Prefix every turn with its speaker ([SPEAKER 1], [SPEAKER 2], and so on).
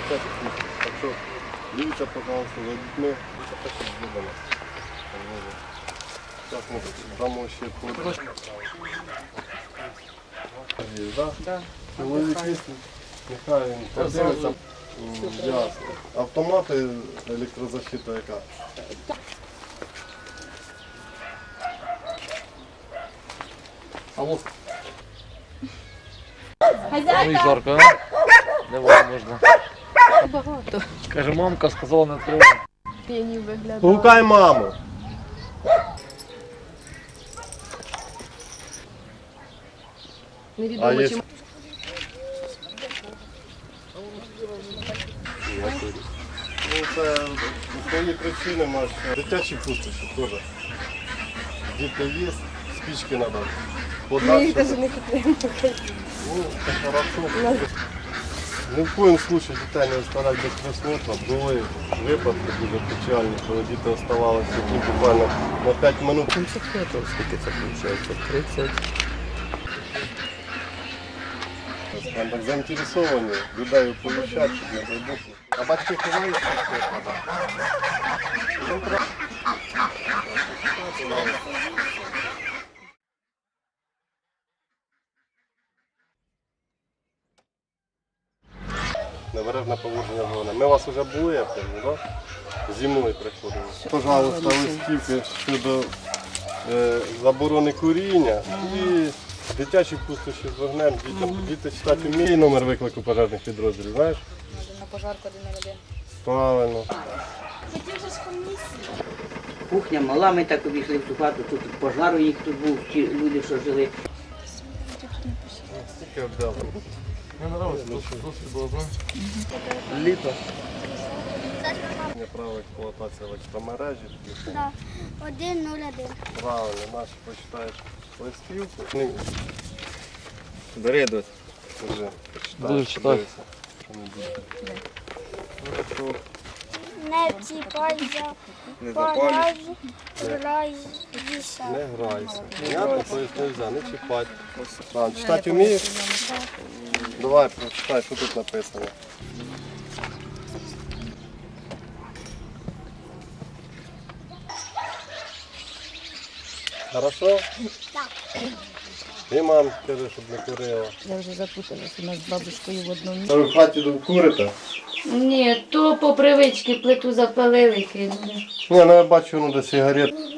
[SPEAKER 1] Так що дивіться, пожалуйста, за дітьми. Зараз ми дамо ще по... Так? Чоловік є, нехай він подивиться. Ясно. Автомати, електрозащита яка?
[SPEAKER 2] Алло.
[SPEAKER 3] Ну і жарко, а? Не можна.
[SPEAKER 4] Багато.
[SPEAKER 3] Каже, мамка сказала не відкривай.
[SPEAKER 4] П'янів виглядає.
[SPEAKER 1] Гукай маму.
[SPEAKER 4] Невідомо
[SPEAKER 1] є-
[SPEAKER 4] чим.
[SPEAKER 1] Ну, це основні причини мають. Дитячі пустощі теж. Діти є, спички треба.
[SPEAKER 4] Ми їх навіть не купуємо.
[SPEAKER 1] Ну, це хорошо. Ні в коєму случае дітей не оставляти без присмотру. Були випадки дуже печальні, коли діти оставалися тут буквально на 5 минут.
[SPEAKER 2] 70 метрів, скільки це виходить? 30.
[SPEAKER 1] Так заінтересовані, людей оповіщати, щоб не прибухли. А батьки ховаються, що треба. Небережне поводження зони. Ми у вас вже були, я певно, так? Зимою приходили. Пожалуйста, листівки щодо заборони куріння і дитячі пустощі з вогнем. Діти читати вміють. Номер виклику пожежних підрозділів, знаєш?
[SPEAKER 5] На пожарку 101.
[SPEAKER 1] Правильно.
[SPEAKER 6] Кухня мала, ми так обійшли в цю хату, тут пожар у них тут був, ті люди, що жили.
[SPEAKER 1] Скільки обдали?
[SPEAKER 3] Мені подобається, досить було, так?
[SPEAKER 1] Літо. Право експлуатації електромережі.
[SPEAKER 7] Да. 101.
[SPEAKER 1] Правильно, наші почитаєш листівку.
[SPEAKER 2] Бери, дось.
[SPEAKER 1] Вже
[SPEAKER 3] Буду читати.
[SPEAKER 7] Не чіпайся,
[SPEAKER 2] Не запалюй.
[SPEAKER 7] грайся.
[SPEAKER 1] Не грайся. Понятно, поясню взяв, не чіпати. Читати вмієш? Давай, прочитай, що тут написано. Хорошо?
[SPEAKER 7] Так.
[SPEAKER 1] І мам каже, щоб не курила.
[SPEAKER 4] Я вже запуталась у нас з бабушкою в одному.
[SPEAKER 1] Це ви в хаті курите?
[SPEAKER 8] Ні, то по привичці плиту запалили, кинули.
[SPEAKER 1] Ні, ну я бачу, ну де сигарет.